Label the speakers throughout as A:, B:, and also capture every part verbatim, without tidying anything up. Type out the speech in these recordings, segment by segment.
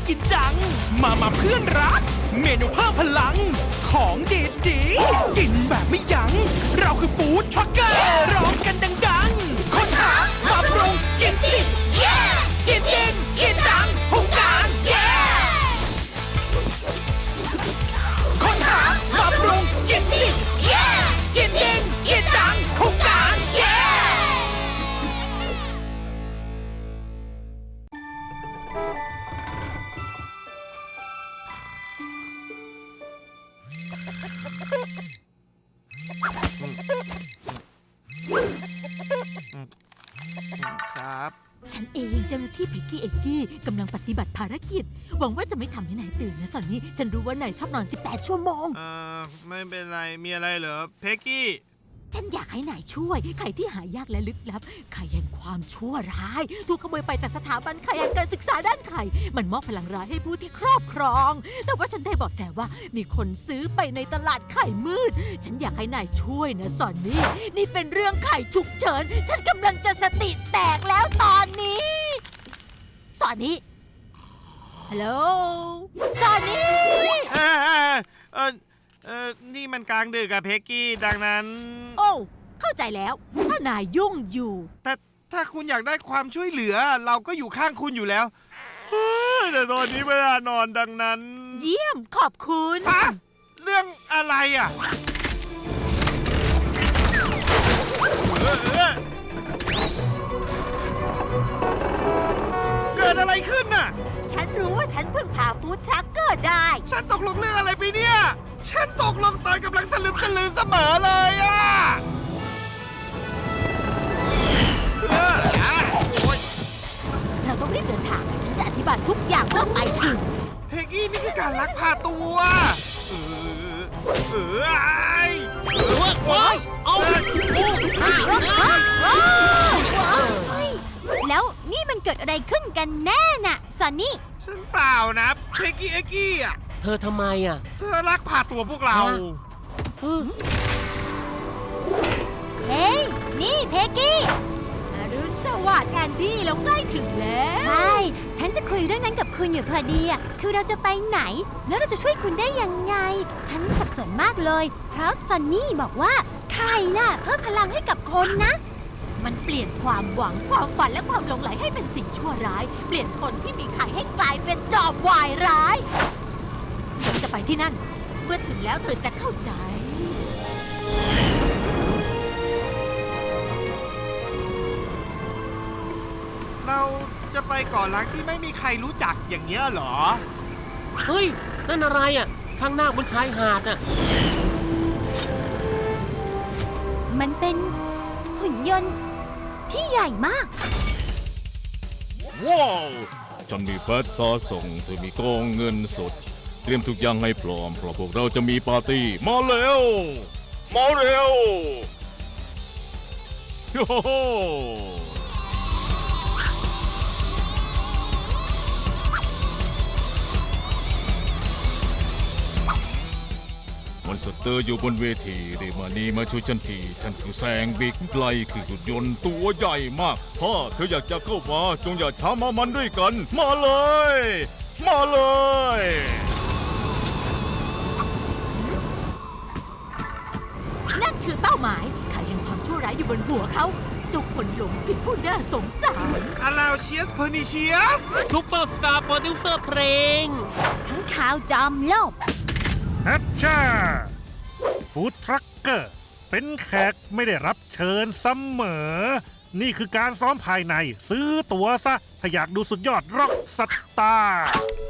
A: กินจังมามาเพื่อนรักเมนูเพิ่มพลังของดีดีกินแบบไม่ยั้งเราคือฟู้ดทรัคเกอร์ร้องกันดังๆค้นหามาปรุงกินสิเย่กินจริงกินจังหุงกางเย่ค้นหามาปรุงกินสิเย่กินจริงกินจังหุงกางเย่
B: ครับ
C: ฉันเองเจ้าหน้าที่เพ็กกี้เอกกี้กำลังปฏิบัติภารกิจหวังว่าจะไม่ทำให้นายตื่นนะสอนนี้ฉันรู้ว่านายชอบนอนสิบแปดชั่วโมง
B: เอ่อไม่เป็นไรมีอะไรเหรอเพ็กกี้
C: ฉันอยากให้นายช่วยไข่ที่หายากและลึกลับไข่แห่งความชั่วร้ายถูกขโมยไปจากสถาบันไข่แห่งการศึกษาด้านไข่มันมอบพลังร้ายให้ผู้ที่ครอบครองแต่ว่าฉันได้บอกแสว่ามีคนซื้อไปในตลาดไข่มืดฉันอยากให้นายช่วยนะสอนนี่นี่เป็นเรื่องไข่ฉุกเฉินฉันกำลังจะสติแตกแล้วตอนนี้สอนนี่ฮัลโหลสอนนี่
B: เออเออเออเออนี่มันกลางดึกอะเพ็กกี้ดังนั้น
C: โอ้เข้าใจแล้วถ้านายยุ่งอยู่
B: แต่ถ้าคุณอยากได้ความช่วยเหลือเราก็อยู่ข้างคุณอยู่แล้วแต่ตอนนี้เวลานอนดังนั้น
C: เยี่ยมขอบคุณ
B: ฮะเรื่องอะไรอ่ะเออเออเกิดอะไรขึ้นน่ะ
C: ฉันรู้ว่าฉันพึ่งพาฟู้ดทรัคเกอร์ได้
B: ฉันตกลงเรื่องอะไรไปเนี่ยฉันตกลงตอนกำลังสลึมสลือเสมอเลยอ่ะ
C: เราต้องรีบเดินทางฉันจะอธิบายทุกอย่างเมื่อไปถึง
B: เฮกี้นี่คือการลักพาตัวเออเออไอ้เออว้าวเอา
D: แล้วนี่มันเกิดอะไรขึ้นกันแน่น่ะซอนนี่
B: ฉันเปล่านะเฮกี้เฮกี้อ่ะ
E: เธอทำไมอ่ะ
B: เธอลักพาตัวพวกเรา
D: เฮ้ยนี่เพกกี้
C: อรุณสวัสดิ์แอนดี้เราใกล้ถึงแล้ว
D: ใช่ฉันจะคุยเรื่องนั้นกับคุณอยู่พอดีอ่ะคือเราจะไปไหนแล้วเราจะช่วยคุณได้ยังไงฉันสับสนมากเลยเพราะซันนี่บอกว่าไข่น่ะเพิ่มพลังให้กับคนนะ
C: มันเปลี่ยนความหวังความฝันและความหลงไหลให้เป็นสิ่งชั่วร้ายเปลี่ยนคนที่มีไข่ให้กลายเป็นจอบวายร้ายเราจะไปที่นั่นเมื่อถึงแล้วเธอจะเข้าใจ
B: เราจะไปเกาะล้างที่ไม่มีใครรู้จักอย่างเงี้ยเหรอ
E: เฮ้ยนั่นอะไรอ่ะข้างหน้าบนชายหาดอ่ะ
D: มันเป็นหุ่นยนต์ที่ใหญ่มาก
F: ว้าวฉันมีแฟตซอส่งเธอมีกองเงินสดเตรียมทุกอย่างให้พร้อมเพราะพวกเราจะมีปาร์ตี้มาเร็วมาเร็วโอ้โหมอนสเตอร์อยู่บนเวทีเรมานีมาช่วยฉันทีฉันคือแซงบิ๊กไลคือหุ่นยนต์ตัวใหญ่มากถ้าเธออยากจะเข้ามาจงอย่าช้ามามันด้วยกันมาเลยมาเลย
C: นั่นคือเป้าหมายไข่แห่งความชั่วร้ายอยู่บนหัวเขาเจ้าคนหลงผิดผู้น่าสงสาร
B: อาลาวเชียสเพอร์นิเชียส
E: ซุปเปอร์สตาร์โปรดิวเซอร์เพลง
D: ทั้งข่าวจอมโลก
G: ฮัชชาฟู้ดทรัคเกอร์เป็นแขกไม่ได้รับเชิญเสมอนี่คือการซ้อมภายในซื้อตั๋วซะถ้าอยากดูสุดยอดร็อกสตาร์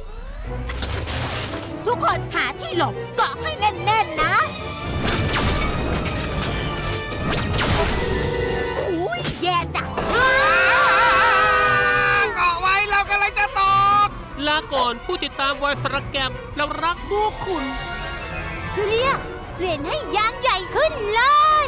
C: ทุกคนหาที่หลบเกาะให้แน่นๆนะอุ้ยแย่จัง
B: เกาะไว้เรากำลังจะตก
E: ลาก่อนผู้ติดตามวายสระแกมเรารักพวกคุณ
D: จูเลียเปลี่ยนให้ยางใหญ่ขึ้นเลย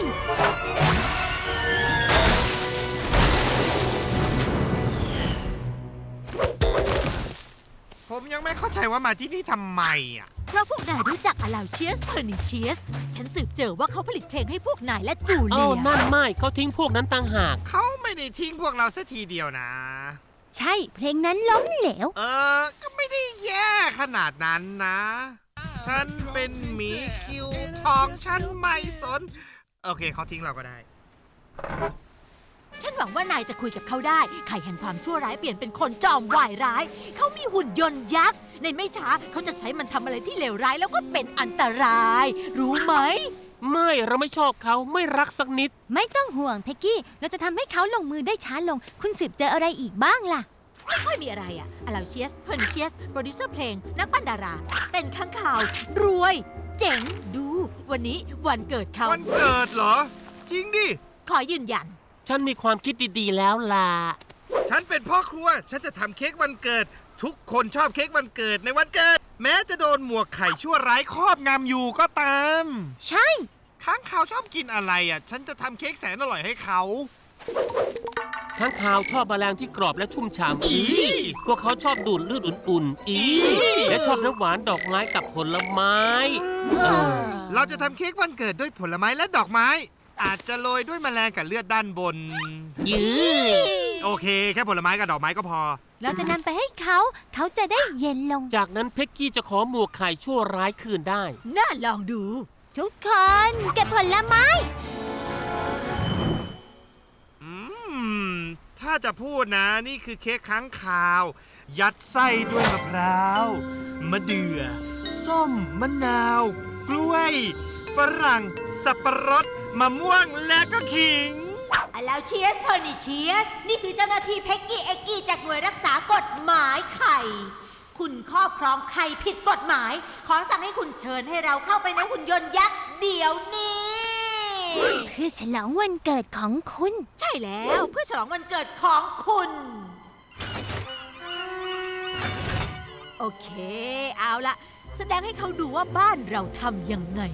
B: ผมยังไม่เข้าใจว่ามาที่นี่ทำไมอ่ะ
C: เพราะพวกนายรู้จักอาลาวเชียสเพอร์นิเชียสฉันสืบเจอว่าเขาผลิตเพลงให้พวกนายและจูเลีย
E: อ้าวนั่นไม่เขาทิ้งพวกนั้นต่างหาก
B: เขาไม่ได้ทิ้งพวกเราสักทีเดียวนะ
D: ใช่ เพลงนั้นล้มเหลว
B: เออ ก็ไม่ได้แย่ขนาดนั้นนะ ฉันเป็นหมีคิวทองฉันไม่สน โอเคเขาทิ้งเราก็ได้
C: ฉันหวังว่านายจะคุยกับเขาได้ ไข่แห่งความชั่วร้ายเปลี่ยนเป็นคนจอมวายร้าย เขามีหุ่นยนต์ยักษ์ ในไม่ช้าเขาจะใช้มันทำอะไรที่เลวร้ายแล้วก็เป็นอันตราย รู้ไหม
E: ไม่เราไม่ชอบเขาไม่รักสักนิด
D: ไม่ต้องห่วงเพ็กกี้ เราจะทำให้เขาลงมือได้ช้าลง คุณสืบเจออะไรอีกบ้างล่ะ
C: ไม่ค่อยมีอะไรอะอลาเชียส เพอร์นิเชียส โปรดิวเซอร์เพลง นักปั้นดารา เป็นข้างข่าว รวย เจ๋ง ดู วันนี้วันเกิดเขา
B: วันเกิดเหรอ จริงดิ
C: ขอยืนยัน
E: ฉันมีความคิดดีๆแล้วล่ะ
B: ฉันเป็นพ่อครัว ฉันจะทำเค้กวันเกิด ทุกคนชอบเค้กวันเกิดในวันเกิด แม้จะโดนหมวกไข่ชั่วร้ายครอบงำอยู่ก็ตาม
D: ใช่
B: ค้างคาวชอบกินอะไรอ่ะ ฉันจะทำเค้กแสนอร่อยให้เขา
E: ทั้งข่าวชอบแมลงที่กรอบและชุ่มฉ่ำอีพวกเขาชอบดูดเลือดอุ่นๆอีและชอบน้ำหวานดอกไม้กับผลไม้เออ
B: เราจะทำเค้กวันเกิดด้วยผลไม้และดอกไม้ อาจจะโรยด้วยแมลงกับเลือดด้านบน
E: ยื้อ
B: โอเค แค่ผลไม้กับดอกไม้ก็พอ
D: เราจะนำไปให้เขา เขาจะได้เย็นลง
E: จากนั้นเพ็กกี้จะขอหมวกไข่ชั่วร้ายคืนได้
C: น่าลองดู
D: ทุกคน เก็บผลไม้
B: อืม ถ้าจะพูดนะนี่คือเค้กค้างคาว ยัดไส้ด้วยมะพร้าว มะเดื่อ ส้ม มะนาว กล้วย ฝรั่ง สับปะรด มะม่วง และก็ขิง
C: อลาเชียส เพอร์นิเชียส นี่คือเจ้าหน้าที่เพ็กกี้เอ็กกี้จากหน่วยรักษากฎหมายไข่ คุณครอบครองไข่ผิดกฎหมาย ขอสั่งให้คุณเชิญให้เราเข้าไปในหุ่นยนต์ยักษ์เดี๋ยวนี้
D: เพื่อฉลองวันเกิดของคุณ
C: ใช่แล้วเพื่อฉลองวันเกิดของคุณ โอเค เอาละแสดงให้เขาดูว่าบ้านเราทำยังไง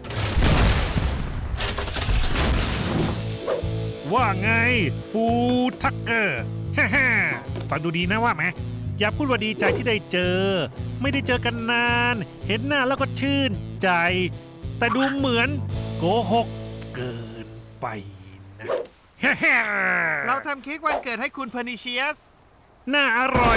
G: ว่าไงฟูทักเกอร์ฮ่าฮ่าฟังดูดีนะว่าไหมอย่าพูดว่าดีใจที่ได้เจอ ไม่ได้เจอกันนาน เห็นหน้าแล้วก็ชื่นใจ แต่ดูเหมือนโกหกเกินไปนะฮ่าฮ่า
B: เราทำเค้กวันเกิดให้คุณเพอร์นิเชียส
G: น่าอร่อย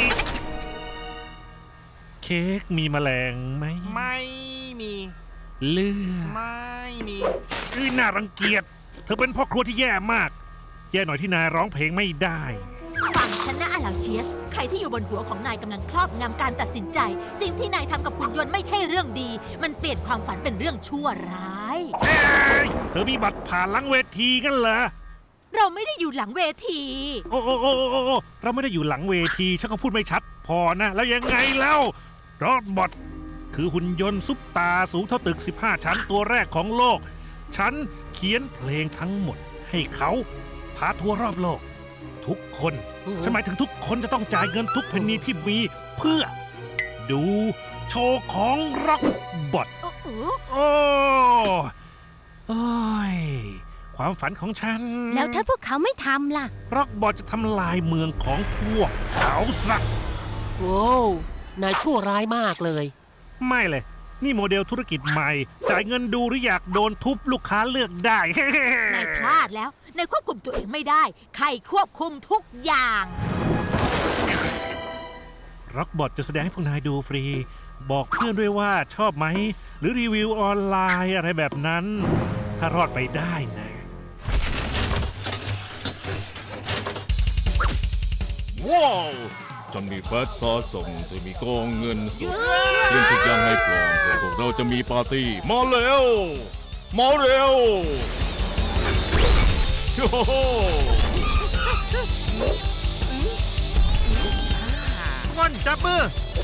G: เค้กมีแมลงไหม
B: ไม่มี
G: เลือด
B: ไม่มี
G: อื้อน่ารังเกียจ เธอเป็นพ่อครัวที่แย่มาก แย่หน่อยที่นายร้องเพลงไม่ได้
C: ฟังฉันนะอลาเชียส ใครที่อยู่บนหัวของนายกำลังครอบงำการตัดสินใจ สิ่งที่นายทำกับหุ่นยนต์ไม่ใช่เรื่องดี มันเปลี่ยนความฝันเป็นเรื่องชั่วร้าย
G: เอ้ยเธอมีบัตรผ่านหลังเวทีกันเหรอ
C: เราไม่ได้อยู่หลังเวที
G: โอ้โอ้โอ้โอ้โอ้เราไม่ได้อยู่หลังเวทีฉันก็พูดไม่ชัดพอนะ แล้วยังไงแล้วรอดบอทคือหุ่นยนต์ซุปตาสูงเท่าตึก สิบห้า ชั้นตัวแรกของโลก ฉันเขียนเพลงทั้งหมดให้เขาพาทัวร์รอบโลก ทุกคน
E: อือ
G: ฉันหมายถึงทุกคนจะต้องจ่ายเงินทุกเพนนีที่มีเพื่อ ดูโชว์ของร็อกบอท
C: โอ้โห
G: โอ้โอ้ยความฝันของฉัน
D: แล้วถ้าพวกเขาไม่ทำล่ะ
G: ร็อกบอทจะทำลายเมืองของพวกเขาสัก
E: โว้วนายชั่วร้ายมากเลย
G: ไม่เลย นี่โมเดลธุรกิจใหม่ จ่ายเงินดูหรืออยากโดนทุบลูกค้าเลือกได้
C: นายพลาดแล้ว นายควบคุมตัวเองไม่ได้ ใครควบคุมทุกอย่าง
G: ร็อกบอทจะแสดงให้พวกนายดูฟรี บอกเพื่อนด้วยว่าชอบไหม หรือรีวิวออนไลน์อะไรแบบนั้น ถ้ารอดไปได้นะ
F: ว้าวฉันมีแฟตสะสมจะมีกองเงินสดเรื่องทุกอย่างให้พร้อมเพื่อพวกเราจะมีปาร์ตี้ มาเร็ว มาเร็วโอ้โห
B: ก้อนจับมือ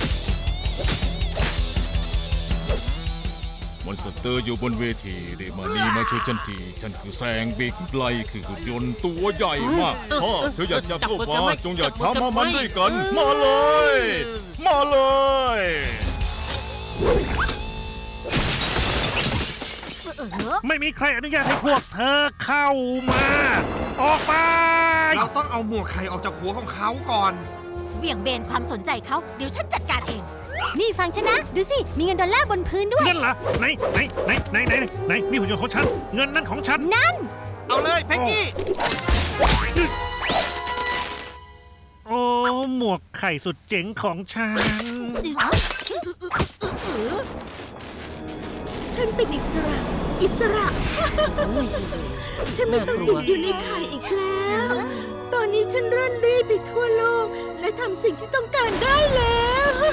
F: มอนสเตอร์อยู่บนเวทีเดมานีมาช่วยฉันทีฉันคือแซงบิ๊กไลคือหุ่นยนต์ตัวใหญ่มากพ่อเธออยากจะเข้ามาจงอย่าช้ามามันด้วยกัน มาเลย มาเลย
G: ไม่มีใครอนุญาตให้พวกเธอเข้ามา ออกไป
B: เราต้องเอาหมวกไข่ออกจากหัวของเขาก่อน
C: เบี่ยงเบนความสนใจเขา เดี๋ยวฉันจัดการเอง
D: นี่ฟังฉันนะ ดูสิ มีเงินดอลลาร์บนพื้นด้วย
G: เงินเหรอไหนไหนไหนไหนไหนไหนนี่หุ่นยนต์ของฉัน เงินนั้นของฉัน
D: นั่น
B: เอาเลยเพ็กกี้
G: โอ้วกไข่สุดเจ๋งของฉัน
H: ฉันเป็นอิสระ อิสระ ฉันไม่ต้องติดอยู่ในไข่อีกแล้ว ตอนนี้ฉันร่อนเร่ไปทั่วโลก และทำสิ่งที่ต้องการได้แล้ว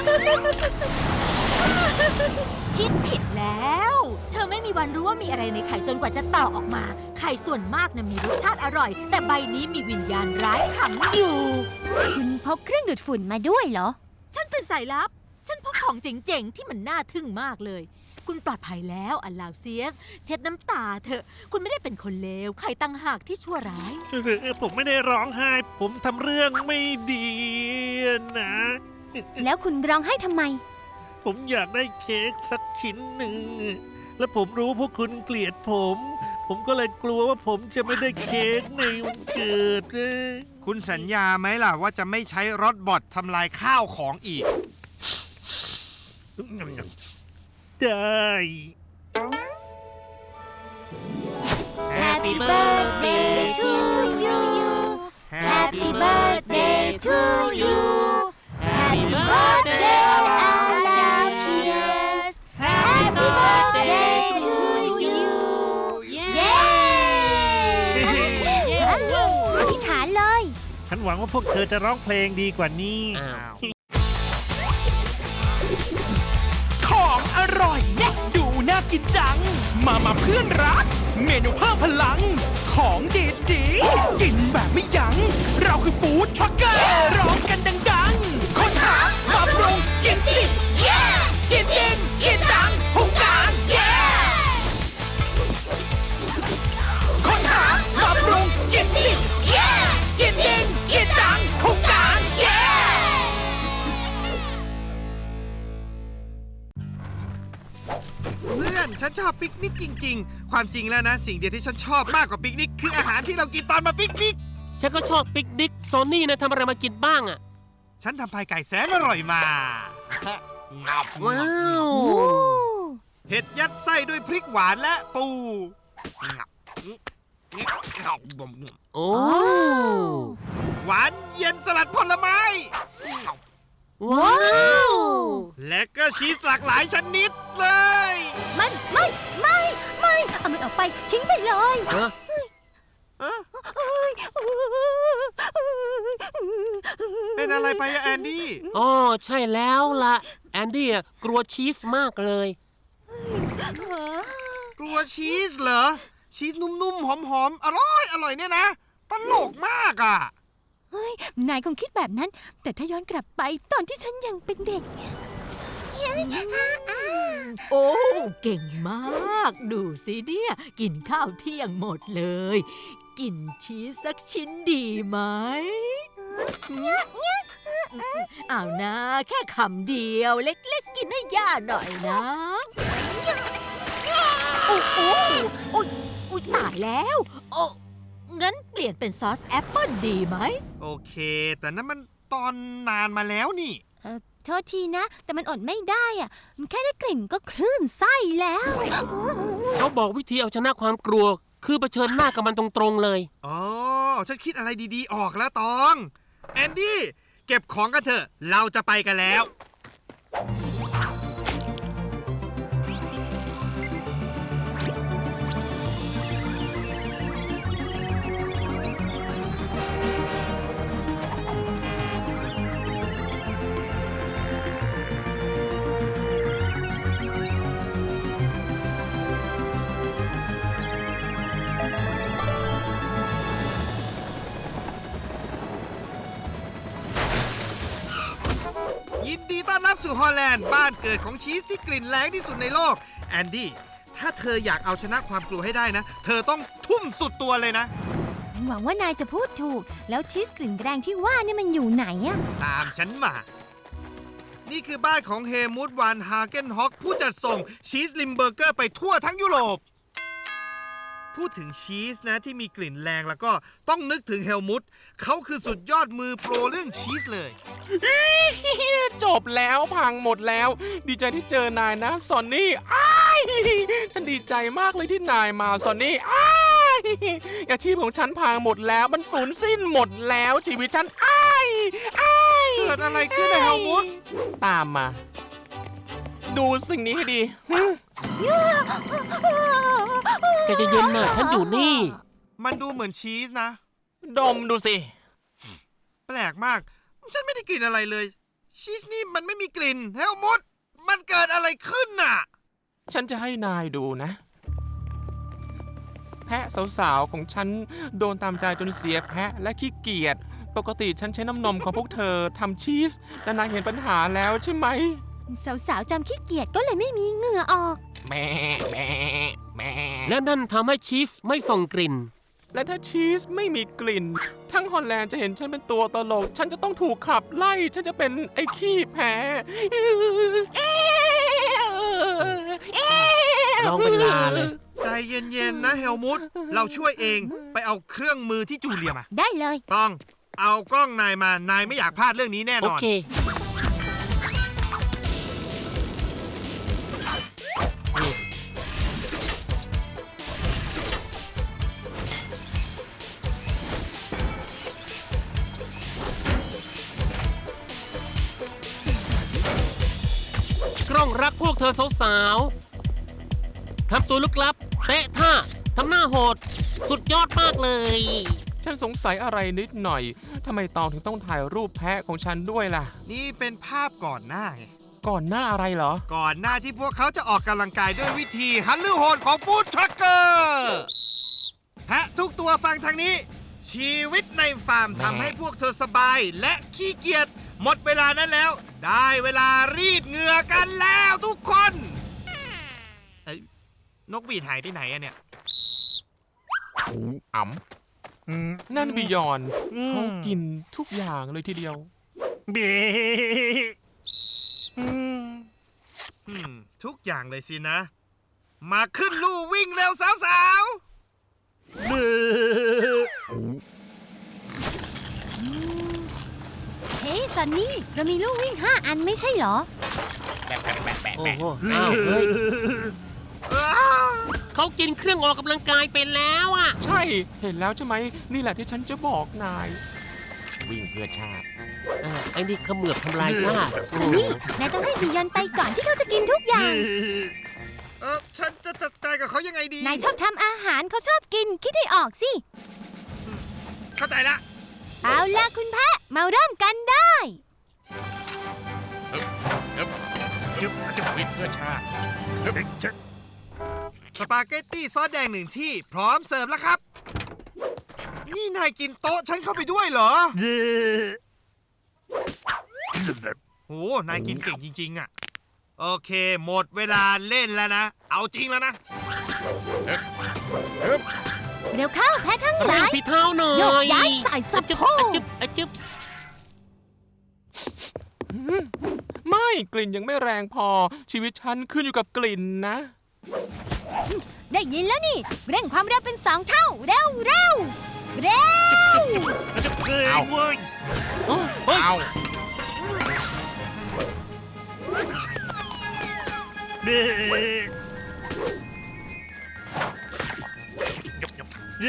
C: คิดผิดแล้ว เธอไม่มีวันรู้ว่ามีอะไรในไข่จนกว่าจะต่อออกมา ไข่ส่วนมากนะมีรสชาติอร่อย แต่ใบนี้มีวิญญาณร้ายขังอยู่
D: คุณพกเครื่องดูดฝุ่นมาด้วยเหรอ
C: ฉันเป็นสายลับ ฉันพกของเจ๋งๆ ที่มันน่าทึ่งมากเลย คุณปลอดภัยแล้วอัลลาวเซียส เช็ดน้ำตาเถอะ คุณไม่ได้เป็นคนเลว ใครตั้งหากที่ชั่วร้าย
G: ผมไม่ได้ร้องไห้ ผมทำเรื่องไม่ดีนะ
D: แล้วคุณร้องไห้ทำไม
G: ผมอยากได้เค้กสักชิ้นหนึ่ง และผมรู้พวกคุณเกลียดผม ผมก็เลยกลัวว่าผมจะไม่ได้เค้กในวันเกิด
B: คุณสัญญาไหมล่ะว่าจะไม่ใช้รถบอททำลายข้าวของอีก
G: ได้
D: Happy birthday to you Happy birthday to you Happy birthday Aloysius Happy birthday to you เย้อธิษฐานเลย
G: ฉันหวังว่าพวกเธอจะร้องเพลงดีกว่านี้
E: อ้าว
A: ของอร่อยแน่ดูน่ากินจัง มามาเพื่อนรัก เมนูเพิ่มพลัง ของดีดีๆกินแบบไม่ยัง้งเราคือฟู้ดช็อกเกอร์ร้องกันดังๆค้นหามาปรุงกินสิ เย้กินจริงกินจังหุงกลางเย้ค้นหามาปรุงกินสิ เย้กินจริงกินจังหุงกลางเย้
B: เพื่อนฉันชอบปิกนิกจริงๆ ความจริงแล้วนะ สิ่งเดียวที่ฉันชอบมากกว่าปิกนิกคืออาหารที่เรากินตอนมาปิกนิก
E: ฉันก็ชอบปิกนิกโซนี่นะทำอะไรมากินบ้างอะ
B: ฉันทำพายไก่แสนอร่อยมา งับ
E: ว้าว
B: เห็ดยัดไส้ด้วยพริกหวานและปูงับงับ
E: โอ้
B: หวานเย็นสลัดผลไม้
E: ว้าว
B: และก็ชีสหลากหลายชนิดเลย
D: ไม่ไม่ไม่ไม่เอามันออกไปทิ้งไปเลย
E: เอ้อ
B: เอ๊ะเป็นอะไรไปอะแอนดี้
E: อ๋อใช่แล้วล่ะ แอนดี้อะกลัวชีสมากเลย
B: กลัวชีสเหรอ ชีสนุ่มๆ หอมๆ อร่อยอร่อยเนี่ยนะ ตลกมากอ่ะ
D: เฮ้ย นายคงคิดแบบนั้น แต่ถ้าย้อนกลับไปตอนที่ฉันยังเป็นเด็ก
C: โอ้ เก่งมาก ดูสิเนี่ย กินข้าวเที่ยงหมดเลย กินชีสสักชิ้นดีไหมเอานะ แค่คำเดียวเล็กๆ กินให้ย่าหน่อยนะโอ้โอ้โอ้ยอุ๊ยตายแล้ว โอ้งั้นเปลี่ยนเป็นซอสแอปเปิลดีไหม
B: โอเค แต่นั้นมันตอนนานมาแล้วนี่
D: เออโทษทีนะ แต่มันอดไม่ได้อ่ะ มันแค่ได้กลิ่นก็คลื่นไส้แล้ว
E: เขาบอกวิธีเอาชนะความกลัว คือเผชิญหน้ากับมันตรงๆเลย
B: อ๋อ ฉันคิดอะไรดีๆ ออกแล้วตอง แอนดี้ เก็บของกันเถอะ เราจะไปกันแล้ว ยินดีต้อนรับสู่ฮอลแลนด์บ้านเกิดของชีสที่กลิ่นแรงที่สุดในโลก แอนดี้ ถ้าเธออยากเอาชนะความกลัวให้ได้นะ เธอต้องทุ่มสุดตัวเลยนะ
D: หวังว่านายจะพูดถูก แล้วชีสกลิ่นแรงที่ว่านี่มันอยู่ไหนอะ
B: ตามฉันมา นี่คือบ้านของเฮมูดวานฮาเกนฮอกผู้จัดส่งชีสลิมเบอร์เกอร์ไปทั่วทั้งยุโรป พูดถึงชีสนะที่มีกลิ่นแรงแล้วก็ต้องนึกถึงเฮลมุตเขาคือสุดยอดมือโปรเรื่องชีสเลย
A: จบแล้วพังหมดแล้ว ดีใจที่เจอนายนะซอนนี่อ้ายฉันดีใจมากเลยที่นายมาซอนนี่อ้ายอาชีพของฉันพังหมดแล้วมันสูญสิ้นหมดแล้วชีวิตฉันอ้ายอ้าย
B: เกิดอะไรขึ้นนะเฮลมุท
A: ตามมา ดูสิ่งนี้ให้ดีหึ
E: แกจะเย็นน่ะฉันอยู่นี่
B: มันดูเหมือนชีสนะ
A: ดมดูสิ
B: แปลกมาก ฉันไม่ได้กลิ่นอะไรเลย ชีสนี่มันไม่มีกลิ่นเฮลมุทมันเกิดอะไรขึ้นน่ะ
A: ฉันจะให้นายดูนะ แพะสาวๆของฉันโดนตามใจจนเสียแพะและขี้เกียจปกติฉันใช้น้ำนมของพวกเธอทำชีส แต่นายเห็นปัญหาแล้วใช่ไหม
D: สาวๆจำขี้เกียจก็เลยไม่มีเหงื่อออก
A: แม่แม่แม่
E: และนั่นทำให้ชีสไม่ส่งกลิ่น
A: และถ้าชีสไม่มีกลิ่น ทั้งฮอลแลนด์จะเห็นฉันเป็นตัวตลก ฉันจะต้องถูกขับไล่ ฉันจะเป็นไอ้ขี้แพ้
E: ร้องเป็นลาเลย
B: ใจเย็นๆนะเฮลมุทเราช่วยเองไปเอาเครื่องมือที่จูเลียมา
D: ได้เลย
B: ต้อง เอากล้องนายมา นายไม่อยากพลาดเรื่องนี้แน่น
E: โอ
B: อน
E: เค กล้องรักพวกเธอสาวๆ ทำตัวลึกลับ เตะท่า ทำหน้าโหด สุดยอดมากเลย
A: ฉันสงสัยอะไรนิดหน่อย ทำไมตองถึงต้องถ่ายรูปแพะของฉันด้วยล่ะ
B: นี่เป็นภาพก่อนหน้าไง
A: ก่อนหน้าอะไรเหรอ
B: ก่อนหน้าที่พวกเขาจะออกกำลังกายด้วยวิธีฮันลือโหดของฟู้ดทรัคเกอร์แพะทุกตัวฟังทางนี้ ชีวิตในฟาร์มทำให้พวกเธอสบายและขี้เกียจหมดเวลานั้นแล้ว ได้เวลารีดเหงื่อกันแล้วทุกคนเอ้ยนกบีดหายไปไหนอะเนี่ย
A: อ๋ำนั่นบิยอน
G: อืม
A: เขากินทุกอย่างเลยทีเดียว
G: เบ
B: อืม ทุกอย่างเลยสินะ มาขึ้นลู่วิ่งเร็วสาว
G: เบ
D: เฮ้ยซันนี่ เรามีลูกวิ่งห้าอันไม่ใช่เหรอ
E: โอ้โหอ้าวเฮ้ย
B: ๆอ้าว
E: เขากินเครื่องออกกำลังกายไปแล้วอ่ะ
A: ใช่ เห็นแล้วใช่ไหม นี่แหละที่ฉันจะบอกนาย วิ่งเพื่อชาติ
E: เออไอ้นี่เขมือบทำลายชาติโอ้
D: ซันนี่ นายต้องให้บิยอนไปก่อนที่เขาจะกินทุกอย่าง
B: เออฉันจะจัดการกับเขายังไงดี
D: นายชอบทำอาหารเขาชอบกิน คิดให้ออกสิ
B: เข้าใจละ
D: เอาล่ะคุณแพะ มาเริ่มกันได้
B: วิ่งเพื่อชาติ สปาเกตตี้ซอสแดงหนึ่งที่พร้อมเสิร์ฟแล้วครับ นี่นายกินโต๊ะฉันเข้าไปด้วยเหรอ
G: เย้
B: โห นายกินเก่งจริง ๆ อ่ะ โอเค หมดเวลาเล่นแล้วนะ เอาจริงแล้วนะ
D: เร็วเข้าแพะทั้งห
E: เร่
D: ลาง ย
E: ฝีเท้าหน่อย
D: โยกย้ายสายสะ
E: จึ๊บ
D: โพก
E: อะจึ๊บอะจึ๊บ
A: ไม่กลิ่นยังไม่แรงพอ ชีวิตฉันขึ้นอยู่กับกลิ่นนะ
D: ได้ยินแล้วนี่ เร่งความเร็วเป็นสองเท่า เร็วเร็วเร็ว
G: เฮ้ยเว้ย
E: เฮ้ย
B: เอา
G: เบ้เย้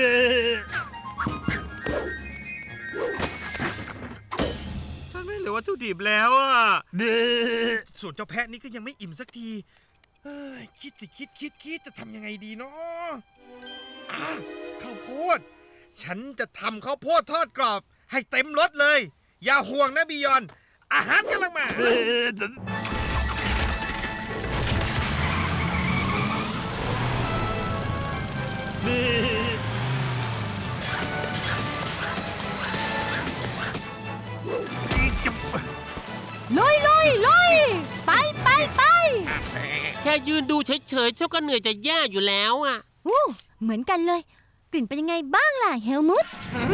B: ฉันไม่เหลือวัตถุดิบแล้วอ่ะ
G: เบ้
B: ส่วนเจ้าแพะนี่ก็ยังไม่อิ่มสักที เฮ้ย คิดสิคิดคิดคิดจะทำยังไงดีเนาะอ่ะข้าวโพด ฉันจะทำข้าวโพดทอดกรอบ ให้เต็มรสเลย อย่าห่วงนะบิยอน อาหารกำลังมา
G: เบ้เบ้
D: ลุยลุยลุยไปไปไป
E: แค่ยืนดูเฉยๆเจ้าก็เหนื่อยจะแย่อยู่แล้วอ่ะ
D: อู้เหมือนกันเลย กลิ่นเป็นยังไงบ้างล่ะเฮลมุต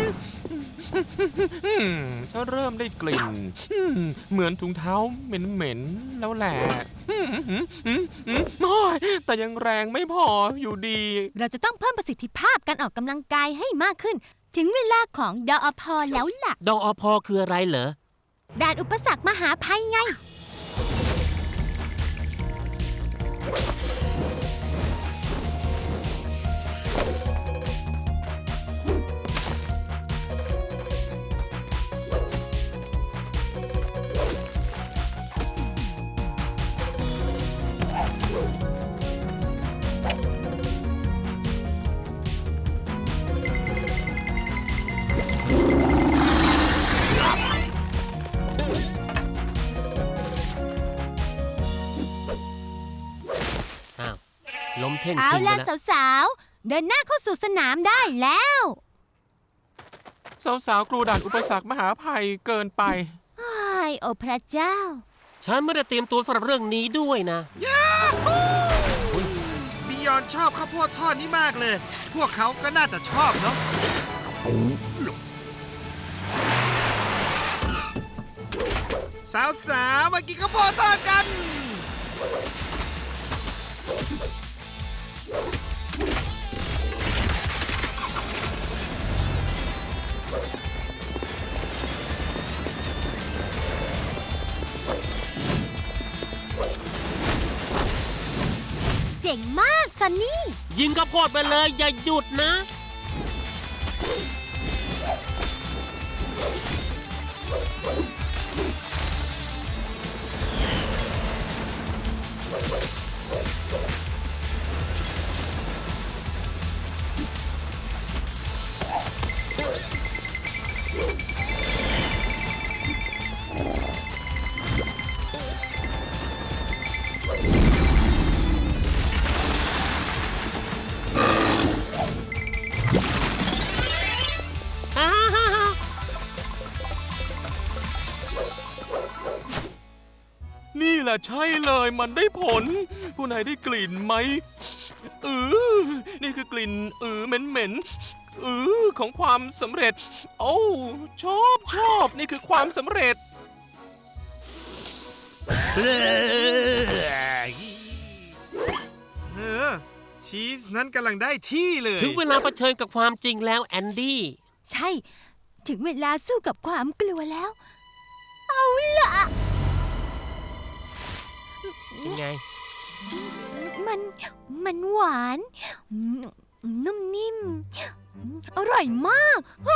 A: อืมฉันเริ่มได้กลิ่นอืมเหมือนถุงเท้าเหม็นๆแล้วแหละอืมอืมอืมอืมโอ้ยแต่ยังแรงไม่พออยู่ดี
D: เราจะต้องเพิ่มประสิทธิภาพการออกกำลังกายให้มากขึ้น ถึงเวลาของดอพแล้วล่ะ
E: ดอพอคืออะไรเหรอ
D: ด่านอุปสรรคมหาภัยไง
E: เท่ง
D: เอา
E: จริง
D: ล่ะ
E: นะ
D: สาวๆ เดินหน้าเข้าสู่สนามได้แล้ว
A: สาวๆกลัวด่านอุปสรรคมหาภัยเกินไป
D: ไอ้โอ้พระเจ้า
E: ฉันไม่ได้เตรียมตัวสำหรับเรื่องนี้ด้วยนะ
B: บิยอนชอบข้าวโพดทอดนี้มากเลย พวกเขาก็น่าจะชอบเนาะสาวๆมากินข้าวโพดทอดกัน
D: เจ๋งมากซันนี่
E: ยิงข้าวโพดไปเลย อย่าหยุดนะ
A: นี่แหละใช่เลยมันได้ผล ผู้นายได้กลิ่นไหมอือนี่คือกลิ่นอือเหม็นๆอือของความสำเร็จ โอ้ชอบชอบนี่คือความสำเร็จ
B: เออ ชีสนั้นกำลังได้ที่เลย
E: ถึงเวลาเผชิญกับความจริงแล้วแอนดี้
D: ใช่ ถึงเวลาสู้กับความกลัวแล้ว เอาล่ะ
E: ยังไง
D: มัน มันหวาน นุ่มนิ่ม อร่อยมาก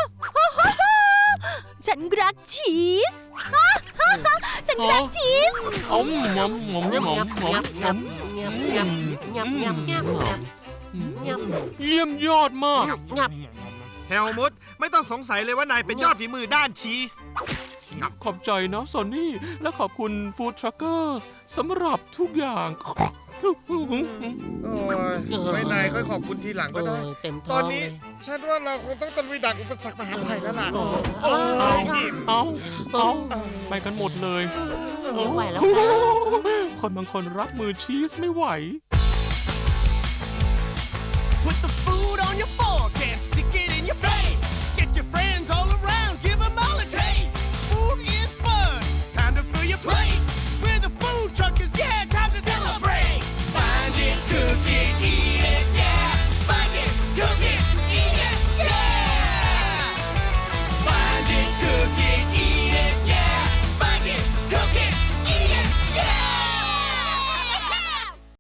D: ฉันรักชีส ฉันรักชีส
A: เอาหมอมหมอมหมอมหมอมหมอม
E: งับงับงับงับงับงับงับ
A: เยี่ยมยอดมาก
E: งับ
B: เฮลมุตไม่ต้องสงสัยเลยว่านายเป็นยอดฝีมือด้านชีส
A: ขอบใจนะซอนนี่ และขอบคุณฟู้ดทรัคเกอร์สำหรับทุกอย่าง
B: โอ้ยไม่นายค่อยขอบคุณทีหลังก็ได้
E: เออเต็มท้
B: ต
E: อ
B: อง น
E: เล
B: นี้
E: ย
B: ฉันว่าเราคงต้องตะลุยด่านอุปสรรคมหาภัยแล้วล่ะ
E: โอ้ย
A: เอาเอาไปกันหมดเลย
E: ไม่ไหวแล้ว
A: คนบางคนรับมือชีสไม่ไหว